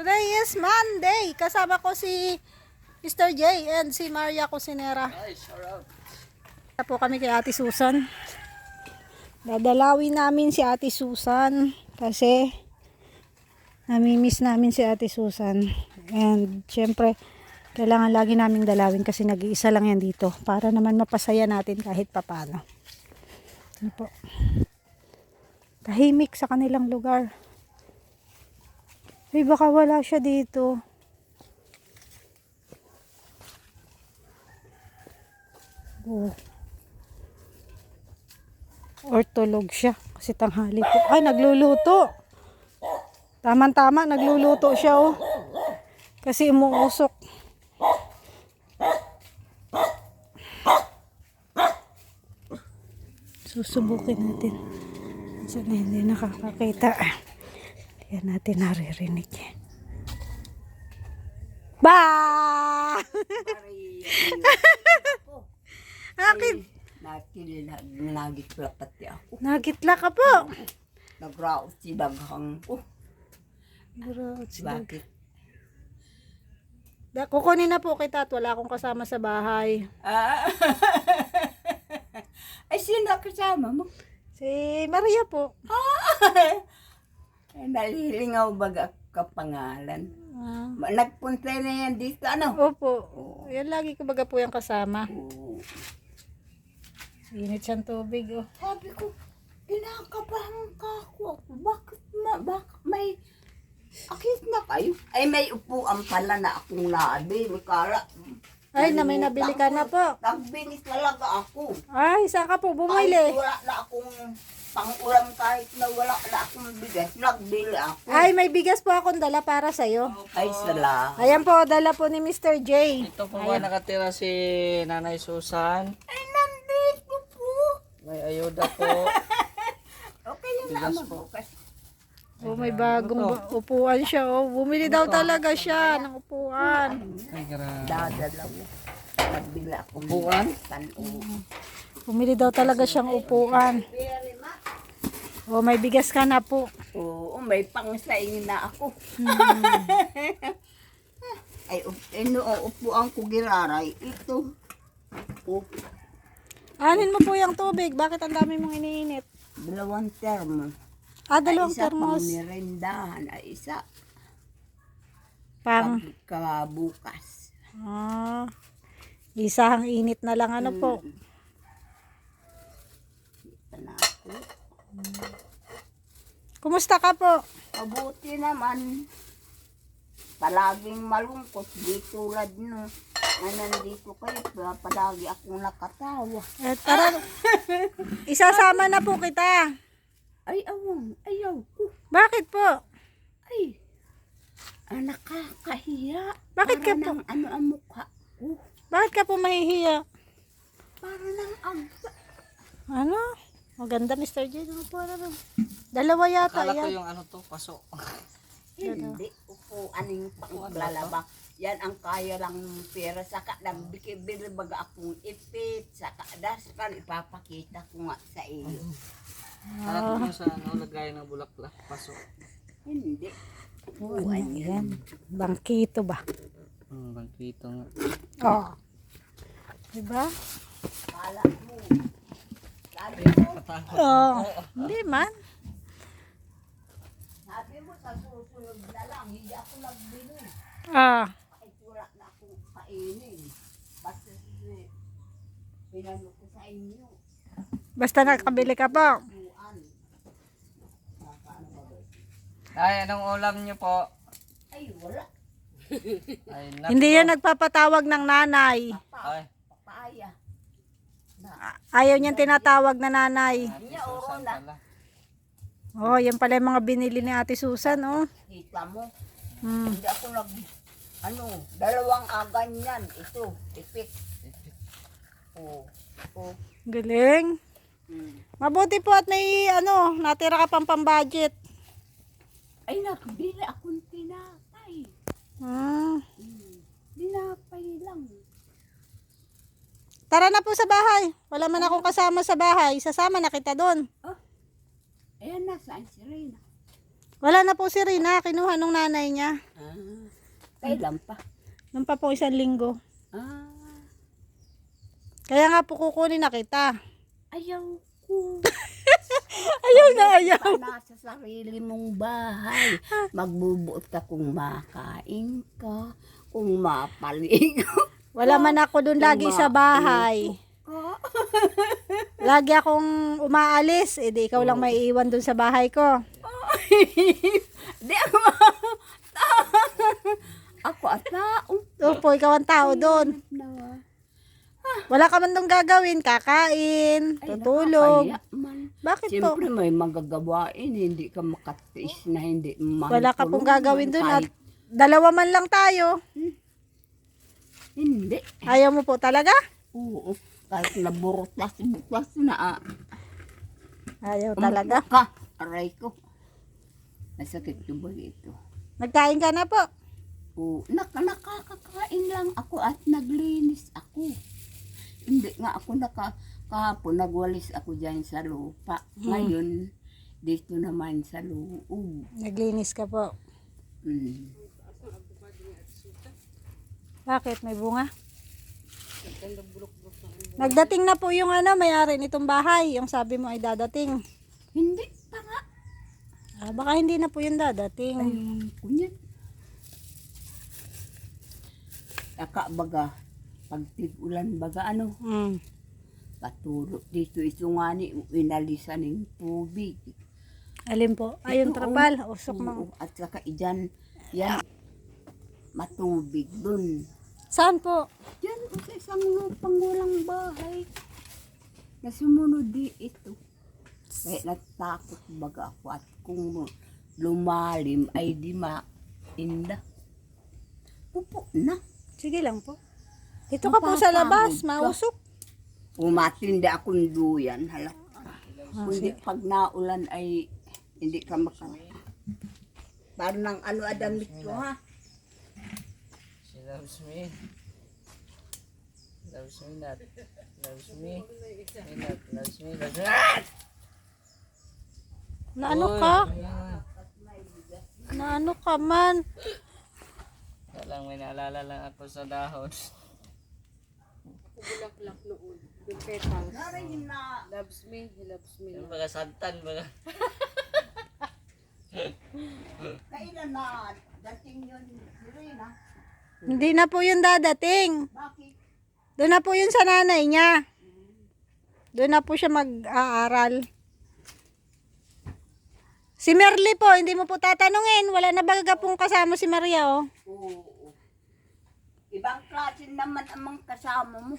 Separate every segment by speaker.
Speaker 1: Today is Monday. Kasama ko si Mr. J and si Maria Cusinera. Punta po kami kay Ate Susan. Dadalawin namin si Ate Susan kasi namimiss namin si Ate Susan. And syempre, kailangan lagi naming dalawin kasi nag-iisa lang yan dito para naman mapasaya natin kahit papano. Ano po? Tahimik sa kanilang lugar. Ay, baka wala siya dito. Oh. Or tulog siya kasi tanghali po. Ay, nagluluto. Tama-tama, nagluluto siya oh. Kasi umuusok. Susubukin natin. Sana hindi nakakakita. Yan natin naririnig. Ba! Akin.
Speaker 2: Nagitla pati ako.
Speaker 1: Nagitla ka po.
Speaker 2: Nagraot si daghang ko. Bakit?
Speaker 1: Kukunin na po kita at wala akong kasama sa bahay.
Speaker 2: Ay, sino kasama mo?
Speaker 1: Si Maria po.
Speaker 2: Ay, nalilingaw baga kapangalan.
Speaker 1: Ah.
Speaker 2: Nagpunta na yan dito, ano?
Speaker 1: Opo. Yan lagi ko baga po yung kasama.
Speaker 2: Oo.
Speaker 1: Init siyang tubig oh.
Speaker 2: Sabi ko, kinakabahan ka ako. Bakit may akit na kayo? Ay, may upuan pala na akong nabi. May kala.
Speaker 1: Ay, na may nabili ka na po.
Speaker 2: Nagbilis talaga ako.
Speaker 1: Ay, saan ka po
Speaker 2: Kahit
Speaker 1: bumili?
Speaker 2: wala na akong pang-ulam, kahit na wala na akong bigas, nagbili ako.
Speaker 1: Ay, may bigas po akong dala para sa'yo.
Speaker 2: Ay, salamat.
Speaker 1: Ayan po, dala po ni Mr. J.
Speaker 3: Ito po ba nakatira si Nanay Susan?
Speaker 2: Ay, nandito po.
Speaker 3: May ayuda po.
Speaker 2: Okay yun na
Speaker 3: Bigas
Speaker 2: mo.
Speaker 1: Oh, may bagong upuan siya oh. Bumili daw talaga siya ng upuan.
Speaker 3: Ay, grabe.
Speaker 2: Dadalaw. Nagbili ako.
Speaker 3: Upuan?
Speaker 1: Bumili daw talaga siyang upuan. Oh, may bigas ka na po.
Speaker 2: Oo, may pangsaing na ako. Ay, upuan ko giraray. Ito.
Speaker 1: Anin mo po yung tubig. Bakit ang dami mong iniinit?
Speaker 2: 2 termo.
Speaker 1: Dalawang
Speaker 2: Isa pang
Speaker 1: termos.
Speaker 2: merendahan. Ay, isa
Speaker 1: Pang,
Speaker 2: kabukas.
Speaker 1: isang init na lang ano po.
Speaker 2: Ito na ako.
Speaker 1: Kumusta ka po?
Speaker 2: Mabuti naman. Palaging malungkot. Di tulad no. Na nandito kayo. Palagi akong nakatawa.
Speaker 1: Tara, isasama na po kita.
Speaker 2: Ay, awang. Ayaw ko.
Speaker 1: Bakit po?
Speaker 2: Ay. Nakakahiya.
Speaker 1: Bakit ka
Speaker 2: para
Speaker 1: po?
Speaker 2: ng ano ang mukha ko.
Speaker 1: Bakit ka po mahihiya?
Speaker 2: Para ng agda.
Speaker 1: Ano? Maganda Mr. J. Ano po ano? Dalawa yata
Speaker 3: Akala ko
Speaker 1: yan.
Speaker 3: yung ano to, paso.
Speaker 2: Hindi. Upo. Anong panglalaba. Yan ang kaya lang ng pera. Saka nagbikibili baga akong ipit. Saka daspan. Ipapakita ko nga sa iyo.
Speaker 3: Akala ko yung sa ano, lagay ng bulaklak, paso.
Speaker 2: Hindi.
Speaker 1: Ano yan? Bangkito ba?
Speaker 3: Bangkito nga.
Speaker 1: Oo. Diba?
Speaker 2: Kala mo. Sabi mo.
Speaker 1: Oo. Hindi man.
Speaker 2: Sabi mo sa susunod na lang. Hindi ako nagbili. Kahit wala na akong kainin. Basta pinano ko sa inyo.
Speaker 1: Basta nakabili ka po.
Speaker 3: Ay, anong ulam niyo po?
Speaker 2: Ay, wala.
Speaker 3: Ay, nako.
Speaker 1: Hindi yan nagpapatawag ng nanay.
Speaker 3: Ay,
Speaker 2: Papaya.
Speaker 1: Ayaw niyang tinatawag na nanay.
Speaker 2: Niya, oro na.
Speaker 3: pala.
Speaker 1: Oh, yan pala yung mga binili ni Ate Susan, oh.
Speaker 2: Kita mo.
Speaker 1: Hmm.
Speaker 2: Hindi ako dalawang agan yan. Ito, ipit. Oo. Oo.
Speaker 1: Galing. Mabuti po at may natira ka pang pambudget.
Speaker 2: Ay, nakabili akong tinapay.
Speaker 1: Hmm.
Speaker 2: Tinapay lang.
Speaker 1: Tara na po sa bahay. Wala man akong kasama sa bahay. Sasama na kita doon.
Speaker 2: Ayan na, saan si Reyna?
Speaker 1: Wala na po si Rina, kinuha nung nanay niya.
Speaker 2: Ah, kailan pa?
Speaker 1: Nung pa po 1 linggo.
Speaker 2: Ah,
Speaker 1: Kaya nga po kukunin na kita.
Speaker 2: ayaw ko.
Speaker 1: Ayaw na ayaw.
Speaker 2: Pa nasa sarili mong bahay. Magbubuot ka kung makain ka, kung mapaligo
Speaker 1: Wala man ako dun lagi sa bahay.
Speaker 2: ka.
Speaker 1: Lagi akong umaalis. Eh di ikaw lang may iwan dun sa bahay ko.
Speaker 2: Di ako. Ako at tao.
Speaker 1: Opo, ikaw ang tao dun.
Speaker 2: Nawa.
Speaker 1: Wala ka man dun gagawin. Kakain, tutulog.
Speaker 2: Nakakaya man.
Speaker 1: Bakit po?
Speaker 2: Siyempre may magagawain, hindi ka makatiis na hindi
Speaker 1: Wala ka pong gagawin dun at
Speaker 2: Kahit
Speaker 1: dalawa man lang tayo.
Speaker 2: hindi.
Speaker 1: Ayaw mo po talaga?
Speaker 2: Oo. Kahit naburutas-butas na.
Speaker 1: Ayaw talaga.
Speaker 2: Ka, aray ko. Nasakit yung bagay ito.
Speaker 1: Nagkain ka na po.
Speaker 2: Oo. Nakakakain lang ako at naglinis ako. Hindi nga ako kahapon nagwalis ako dyan sa lupa. Ngayon, dito naman sa loob.
Speaker 1: Naglinis ka po.
Speaker 2: Mm.
Speaker 1: Bakit? May bunga? Nagdating na po yung may-ari nitong bahay. Yung sabi mo ay dadating.
Speaker 2: Hindi pa nga.
Speaker 1: Baka hindi na po yung dadating.
Speaker 2: Ay, kunyan. Taka baga, pag tig-ulan baga patulog dito ito nga ni inalisan ng tubig.
Speaker 1: Alin po? Ayun,
Speaker 2: Ito,
Speaker 1: trapal. Usok
Speaker 2: oo,
Speaker 1: mo.
Speaker 2: at saka yan matubig dun.
Speaker 1: Saan po?
Speaker 2: Yan sa isang lupang walang bahay. Na sumunod di ito. Kaya natakot baga ako at kung lumalim ay di mainda. Upo na.
Speaker 1: Sige lang po. Ito ka po sa labas. Mausok.
Speaker 2: Umatindi akong duyan. Halak ka. Kundi pag naulan ay hindi ka maka... Parang damit ko ha.
Speaker 3: She loves me. Loves me not. Loves me. Me not. Loves me. Loves me.
Speaker 1: Naano ka? Naano ka man?
Speaker 3: Walang may naalala lang ako sa dahon.
Speaker 2: Loves me, he loves me.
Speaker 3: Yung baga santan baga.
Speaker 2: Kailan na dating yun, Rina?
Speaker 1: Hindi na po yung dadating.
Speaker 2: Bakit?
Speaker 1: Doon na po yun sa nanay niya. Doon na po siya mag-aaral. Si Merly po, hindi mo po tatanungin. Wala na baga pong kasama si Maria, oh.
Speaker 2: Oo. Ibang klase naman ang kasama mo.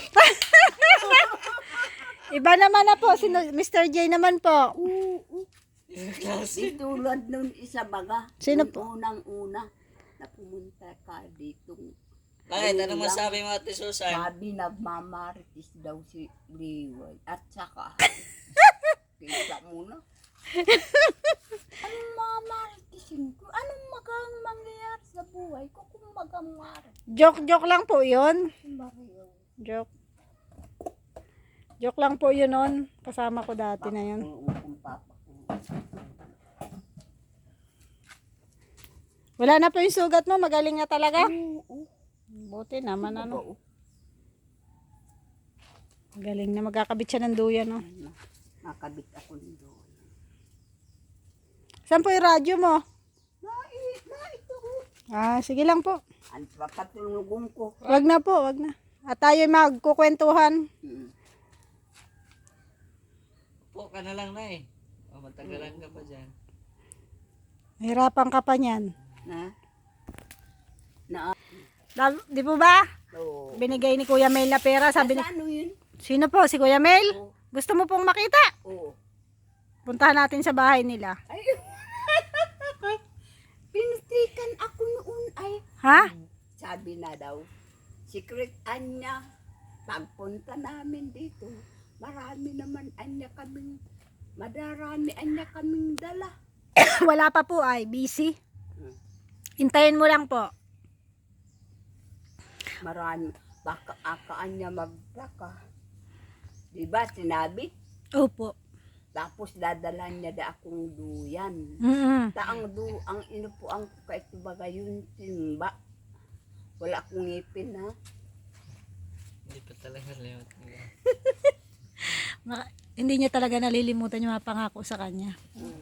Speaker 1: Iba naman na po. Si Mr. J naman po.
Speaker 2: Oo. Di tulad nun isa baga.
Speaker 1: Sino
Speaker 2: Nung
Speaker 1: po?
Speaker 2: unang-una na pumunta ka dito.
Speaker 3: Bakit? Ano masabi mo, Ate Susan?
Speaker 2: Sabi na mamaritis daw si Liway. At saka, kita muna. Anong mamaritisin ko? Anong magang mangyayari sa buhay ko kung magang maritis?
Speaker 1: Joke lang po yun.
Speaker 2: Mario.
Speaker 1: Joke. Joke lang po yun nun. Kasama ko dati na yun.
Speaker 2: Kung papa ko.
Speaker 1: Wala na po yung sugat mo. Magaling na talaga.
Speaker 2: Oo.
Speaker 1: Buti naman ano.
Speaker 2: Oo.
Speaker 1: Magaling na. Magkakabit siya ng duyan. No?
Speaker 2: Nakabit ako doon.
Speaker 1: Saan po yung radyo mo?
Speaker 2: Na ito.
Speaker 1: Sige lang po.
Speaker 2: Ang papatulungan ko.
Speaker 1: Wag na po. Wag na. At tayo magkukwentuhan.
Speaker 3: Po ka na lang na eh. O, matagalan ka pa dyan.
Speaker 1: Hirapan ka pa niyan. Di po ba?
Speaker 2: Oo.
Speaker 1: Binigay ni Kuya Mel na pera. Sabi ni...
Speaker 2: Ano yun?
Speaker 1: Sino po? Si Kuya Mel?
Speaker 2: Oo.
Speaker 1: Gusto mo pong makita?
Speaker 2: Oo.
Speaker 1: Puntahan natin sa bahay nila.
Speaker 2: Ay. Pinutikan ako noon ay.
Speaker 1: Ha?
Speaker 2: Sabi na daw. Secret anya. Pagpunta namin dito. Marami naman madarami anya kaming dala.
Speaker 1: Wala pa po ay. Busy. Hintayin mo lang po.
Speaker 2: Marami. Baka anya magdaka. Diba sinabi?
Speaker 1: Opo.
Speaker 2: Tapos dadalhan niya da akong duyan. Ang inupuan ko kahit baga yun, timba. Wala akong ngipin ha.
Speaker 3: Hindi pa talaga limot.
Speaker 1: Hindi niya talaga nalilimutan yung mga pangako sa kanya.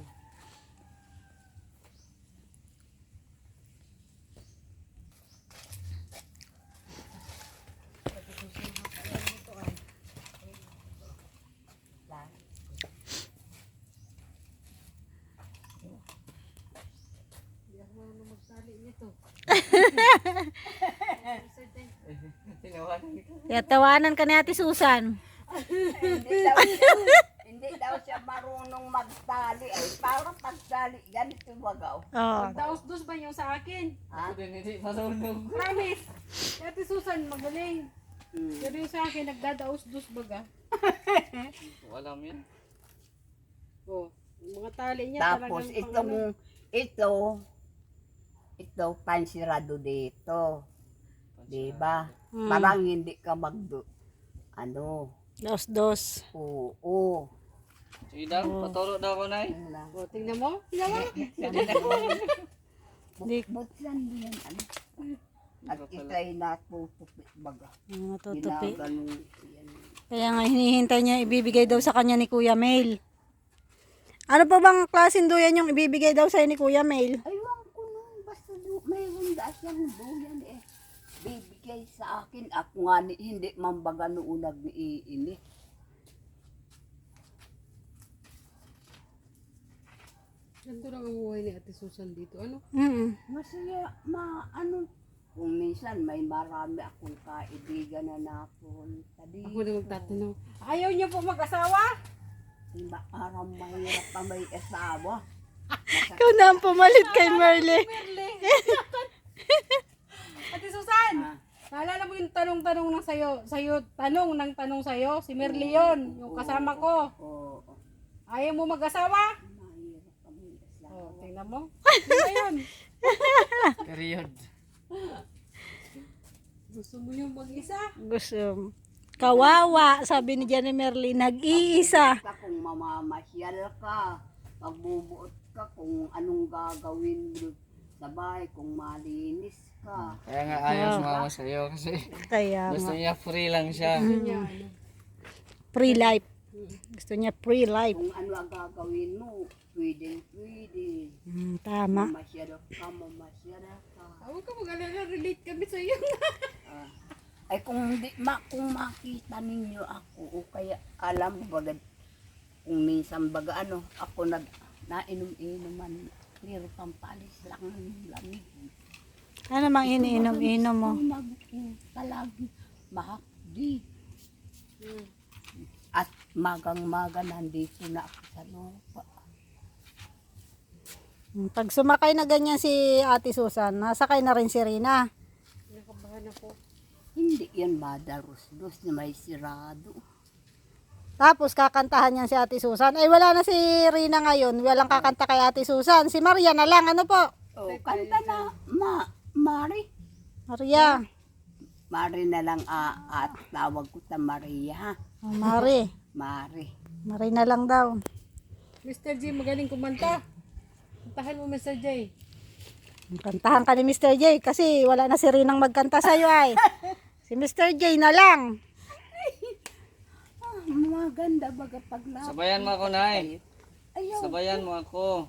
Speaker 3: Tinawanan ko.
Speaker 1: Kaya tawanan ka ni Ate Susan.
Speaker 2: Hindi daw siya marunong magtali. Ay, parang pagtali, ganito wagaw.
Speaker 1: Oh.
Speaker 4: Daos-dos ba yung sa akin?
Speaker 2: Ha?
Speaker 3: Ako din hindi marunong.
Speaker 4: Promise. Ate Susan, magaling. Pero yung sa akin, nagdadaos-dos baga.
Speaker 3: Wala mo yan.
Speaker 4: Oh, yung mga tali niya
Speaker 2: Tapos
Speaker 4: talagang
Speaker 2: ito pansirado dito. Diba? Parang hindi ka
Speaker 1: Dos.
Speaker 2: oo.
Speaker 3: Sige daw, paturo daw ko na eh.
Speaker 2: Yun lang.
Speaker 4: Oh, tingnan mo. Tingnan mo.
Speaker 2: Buksan mo yan, ano. At ikay natutupi baga.
Speaker 1: Matutupi.
Speaker 2: Ginaganong yan.
Speaker 1: Kaya nga hinihintay niya ibibigay daw sa kanya ni Kuya Mail. Ano pa bang klaseng duyan yung ibibigay daw sa'yo ni Kuya Mail?
Speaker 2: Aywan ko nung basta mayroon da siyang duyan eh. Bibigay sa akin. Ako nga hindi man baga noon nag-iinit.
Speaker 4: Ganito lang ang buhay ni Ate Susan dito. Ano?
Speaker 2: Masaya, kung minsan may marami akong kaibigan na napunta
Speaker 4: Ako
Speaker 2: dito.
Speaker 4: na magtatanong. Ayaw niyo po mag-asawa?
Speaker 2: Diba, parang mahirap pa may asawa.
Speaker 1: Ikaw na ang pumalit kay Merle.
Speaker 4: Ate Susan!
Speaker 2: Ah.
Speaker 4: Naalala mo yung tanong-tanong ng tanong sa'yo? Si Merly yun, yung kasama ko.
Speaker 2: Oo,
Speaker 4: Ayaw mo mag-asawa?
Speaker 2: mahirap pa may asawa.
Speaker 4: Oh, tingnan mo. Sino yun?
Speaker 3: Period.
Speaker 4: Gusto mo yung mag-isa?
Speaker 1: Gusto. Kawawa, sabi ni Jenny Merle, nag-iisa.
Speaker 2: Basta kung mamamasyal ka, magbubuot ka kung anong gagawin mo sa bahay, kung malinis ka.
Speaker 3: Kaya nga ayaw sumama sa'yo kasi
Speaker 1: Kaya
Speaker 3: gusto
Speaker 1: nga,
Speaker 3: niya free lang siya.
Speaker 4: Niya, ano?
Speaker 1: free life. Gusto niya free life.
Speaker 2: Kung ano ang gagawin mo, pwede.
Speaker 1: Tama.
Speaker 2: Mamasyal ka.
Speaker 4: Huwag ka mag-alala, relate kami sa'yo.
Speaker 2: Ay kung kung makita ninyo ako o kaya alam mo baga kung minsan baga ako nainom-inuman pero pampalis lang ng lamig.
Speaker 1: Ano mang iniinom-inom mo?
Speaker 2: Talagi mahapdi. At magang-maga nandito na ako sa lupa.
Speaker 1: Pag sumakay na ganyan si Ate Susan, nasakay na rin si Rina.
Speaker 4: Nakabahan ako.
Speaker 2: Hindi yan madaros-dos na may sirado.
Speaker 1: Tapos kakantahan niyan si Ate Susan. Ay wala na si Rina ngayon. Walang kakanta kay Ate Susan. Si Maria na lang. Ano po?
Speaker 2: O, kanta na, Mari.
Speaker 1: Maria.
Speaker 2: Mari na lang at tawag ko ta Maria ha.
Speaker 1: Oh, Mari.
Speaker 2: Mari.
Speaker 1: Mari na lang daw.
Speaker 4: Mr. J, magaling kumanta. Kantahan mo, Mr. J.
Speaker 1: Kantahan ka ni Mr. J kasi wala na si Rinang magkanta sa'yo ay. Si Mr. J na lang.
Speaker 2: Maganda baga paglapit.
Speaker 3: Sabayan mo ako na eh.
Speaker 2: Ayaw
Speaker 3: Sabayan mo ako.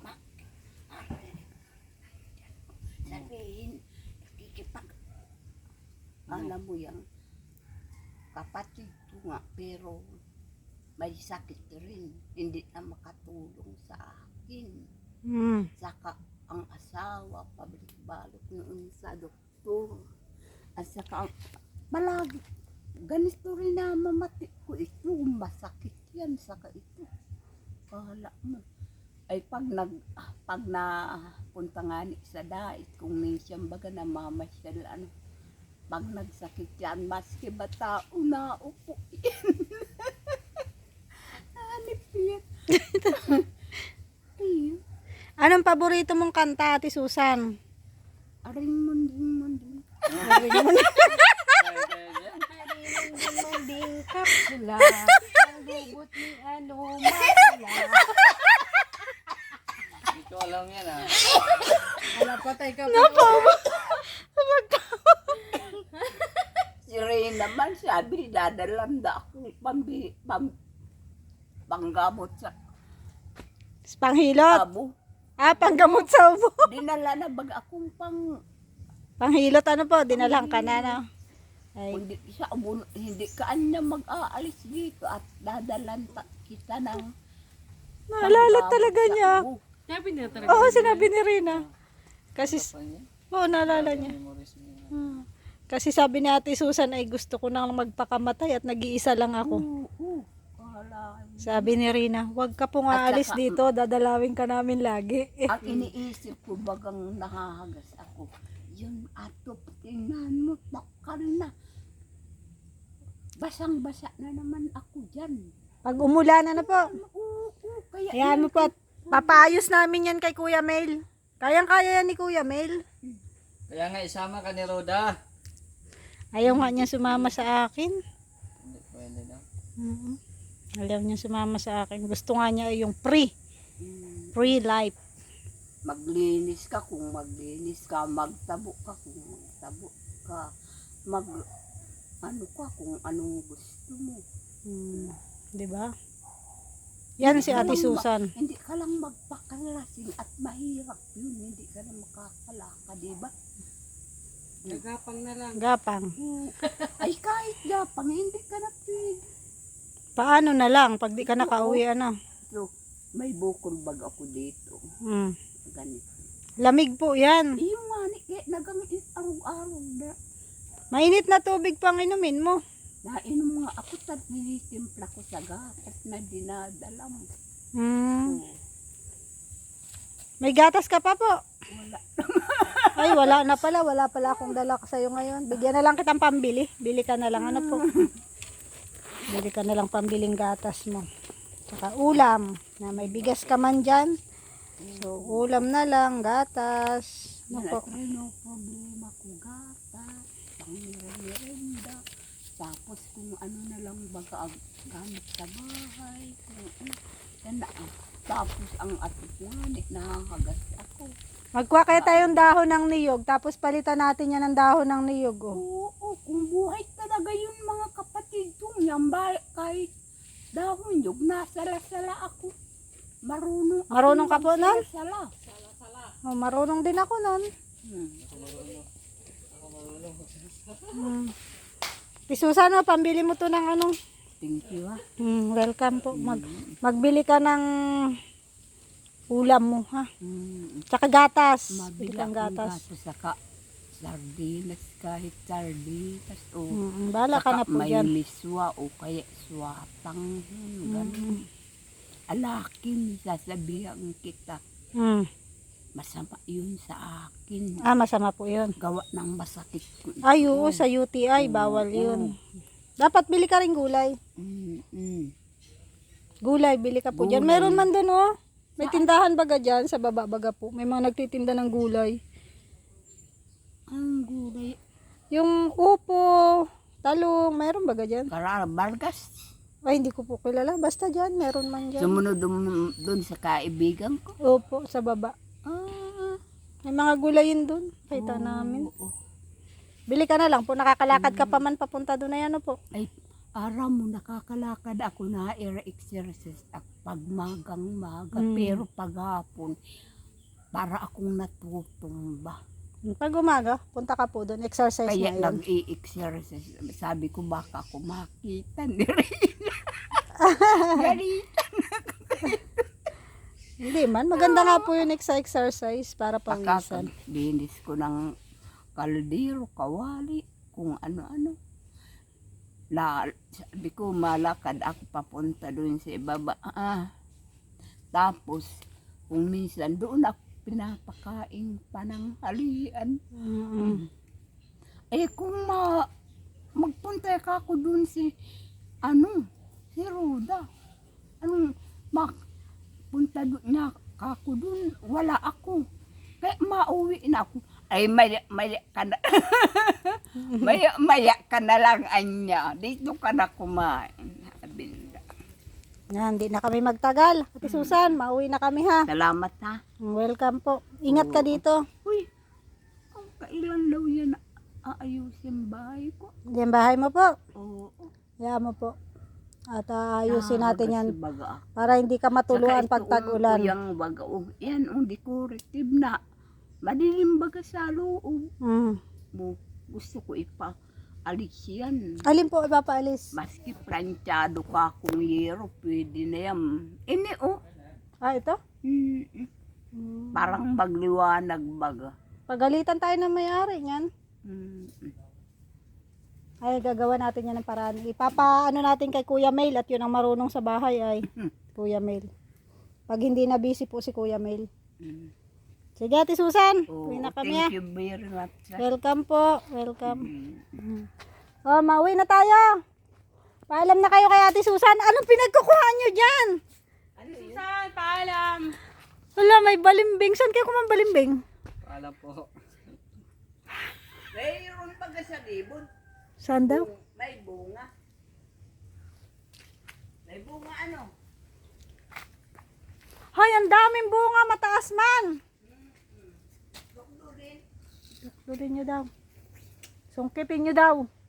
Speaker 2: sabihin. Kikipag. Alam mo yan. Kapatid ko nga pero may sakit rin. Hindi na makatulong sa akin. Saka ang asawa, pabalik-balot noon sa doktor. At saka, malagi, ganito rin na mamati ko ito, masakit yan, saka ito. Kala mo. Ay pag napunta nga ni sa dait, kung minsan baga namamasyal, pag nagsakit yan, maski ba tao na upo yan. Hanip yan. Ayun.
Speaker 1: Anong paborito mong kanta, Ate Susan?
Speaker 2: Aring munding.
Speaker 3: Kaya dyan.
Speaker 4: munding kapsula. Ang dugot ni ano, mapula.
Speaker 3: Hindi ko alam yan ah.
Speaker 4: Wala, patay ka pa.
Speaker 2: Si Ray naman sabi, dadalanda ako panggamot sa
Speaker 1: Panghilot.
Speaker 2: abo.
Speaker 1: Panggamot sa ubo.
Speaker 2: Dinala na bag akong
Speaker 1: Panghilot ano po, dinalang ka na, no? Ay,
Speaker 2: hindi siya hindi ka anya mag-aalis dito at dadalan kita ng
Speaker 1: naalala talaga niya.
Speaker 2: abo.
Speaker 4: Sabi niya talaga.
Speaker 1: Oo, sinabi ni Rina. Kasi,
Speaker 3: Ano yan?
Speaker 1: oo, naalala niya.
Speaker 3: Memories mo yan.
Speaker 1: Kasi sabi ni Ate Susan ay gusto ko nang magpakamatay at nag-iisa lang ako.
Speaker 2: Oo. Wala.
Speaker 1: Sabi ni Rina, wag ka pong aalis dito, dadalawin ka namin lagi.
Speaker 2: Ang iniisip ko bagang nahahagas ako. Yun ato, tingnan mo, takal na. Basang-basa na naman ako dyan.
Speaker 1: Pag umulan na po,
Speaker 2: Oo, kaya
Speaker 1: ayan mo po, at papaayos namin yan kay Kuya Mel. Kayang-kaya yan ni Kuya Mel.
Speaker 3: Kaya nga isama ka ni Roda.
Speaker 1: Ayaw nga niya sumama sa akin.
Speaker 3: Hindi pwede daw.
Speaker 1: Ayaw niya sumama sa akin. Gusto nga niya yung free life.
Speaker 2: maglinis ka kung maglinis ka, magtabo ka kung magtabo ka, ano ka kung anong gusto mo.
Speaker 1: Di ba? Yan si Ate Susan.
Speaker 2: Hindi ka lang magpakalasin at mahirap yun, hindi ka na makakalaka, di ba?
Speaker 4: Nagapang na lang.
Speaker 1: Gapang.
Speaker 2: Ay kahit gapang, hindi ka na pwede.
Speaker 1: Paano na lang pag di ka nakauwi, ano?
Speaker 2: So, may bukol bag ako dito. Ganito.
Speaker 1: Lamig po yan.
Speaker 2: Yung nga ni, nagang araw-araw na.
Speaker 1: Mainit na tubig pang inumin mo.
Speaker 2: Nainom nga ako, tad nilitimpla ko sa gatas na dinadala mo.
Speaker 1: May gatas ka pa po.
Speaker 2: Wala.
Speaker 1: Ay, wala na pala. Wala pala akong dala ka sa'yo ngayon. Bigyan na lang kitang pambili. Bili ka na lang. Ano po? Bili ka na lang pambiling gatas mo. Tsaka ulam. Na may bigas ka man dyan. So, ulam na lang. Gatas. Ano po?
Speaker 2: No problema ko gatas, pang-merenda. Tapos kung ano na lang baga gamit sa bahay. Kung ano. Yan na. Tapos ang atupwanit, nakakagas ako.
Speaker 1: Magkuha kaya tayong dahon ng niyog. Tapos palitan natin yan ng dahon ng niyog. Oh.
Speaker 2: Oo, kung buhay talaga yun mga kapatid ko. Yan ba, kahit dahon yun, nasala-sala ako.
Speaker 1: Marunong ka po nun?
Speaker 2: Sala.
Speaker 1: Oh, marunong din ako nun. Susan, oh, pambili mo to ng ano.
Speaker 2: Thank you ha.
Speaker 1: Welcome po. Magbili ka ng ulam mo, ha? Tsaka gatas. Bili
Speaker 2: Mabila
Speaker 1: kang
Speaker 2: akong
Speaker 1: gatas.
Speaker 2: gatas saka sardinas, kahit sardinas o
Speaker 1: Bala ka na po
Speaker 2: may
Speaker 1: dyan.
Speaker 2: miswa o kaya swatang ganun. Alakin, sasabihan kita, masama yun sa akin.
Speaker 1: Masama po yun.
Speaker 2: Gawa ng masakit ko ito.
Speaker 1: Ay, oo, sa UTI, bawal yun. Dapat bili ka rin gulay. Gulay, bili ka po dyan. Meron man dun, oh. May tindahan baga dyan, sa baba baga po. May mga nagtitinda ng gulay.
Speaker 2: Ang gulay.
Speaker 1: Yung upo, talong, meron baga dyan?
Speaker 2: Karara, Vargas.
Speaker 1: Ay, hindi ko po kilala. Basta dyan, meron man dyan.
Speaker 2: Sumunod dun sa kaibigan ko.
Speaker 1: Opo, sa baba. May mga gulayin dun. Kita namin.
Speaker 2: Oo.
Speaker 1: Bili ka na lang po. Nakakalakad ka pa man papunta doon na yan, po.
Speaker 2: Ay, araw mo nakakalakad ako na exercise at pagmagang-maga. Pero paghapon, para akong natutumba.
Speaker 1: Pag umaga, punta ka po doon. Exercise
Speaker 2: Kaya
Speaker 1: na yun.
Speaker 2: nag-i-exercise. Sabi ko baka ako makita ni Rina. Ganito.
Speaker 1: Hindi man. Maganda nga po yung exercise para pawisan.
Speaker 2: Kakalinis ko ng kaldero, kawali, kung ano-ano. Sabi ko malakad ako papunta doon sa ibaba. Tapos, kung minsan doon ako pinapakain pananghalian. Eh kung magpunta ka ako doon si Roda. Punta doon niya ako doon, wala ako. Kaya mauwi na ako. Ay, maya ka na. maya ka na lang, anya. Dito ka na kumain. Sabi nila.
Speaker 1: Yan, di na kami magtagal. Ate Susan, mauwi na kami ha.
Speaker 2: Salamat ha.
Speaker 1: Welcome po. Ingat ka dito.
Speaker 2: Uy, ang kailan daw yan aayusin bahay ko?
Speaker 1: Yan bahay mo po.
Speaker 2: Oo.
Speaker 1: Yan mo po. At ayusin natin yan
Speaker 2: Baga.
Speaker 1: para hindi ka matuluan pag tag-ulan.
Speaker 2: Yung baga, yan, decorative na. Madilim baga sa loob.
Speaker 1: Mm.
Speaker 2: Gusto ko alis yan.
Speaker 1: Alin po ipapaalis?
Speaker 2: Maski planchado ka kung yero, pwede na yan. Ini
Speaker 1: Ito?
Speaker 2: Parang magliwanag baga.
Speaker 1: Pagalitan tayo ng may-ari yan. Ay, gagawa natin yan ng paraan. Ipapaano natin kay Kuya Mail at yun ang marunong sa bahay ay Kuya Mail. Pag hindi na busy po si Kuya Mail. Sige, Ate Susan. Uwi na kami.
Speaker 2: Thank you very much.
Speaker 1: Welcome po. Welcome. Oh, mauwi na tayo. Paalam na kayo kay Ate Susan. Anong pinagkukuha nyo dyan?
Speaker 4: Susan, paalam.
Speaker 1: Wala, may balimbing. Saan kayo kumang balimbing?
Speaker 3: Alam po.
Speaker 2: Mayroon baga sa libon.
Speaker 1: Saan daw?
Speaker 2: May bunga. May bunga ano?
Speaker 1: Hoy, ang daming bunga. Mataas man. Dukdurin nyo daw. Sungkipin nyo daw.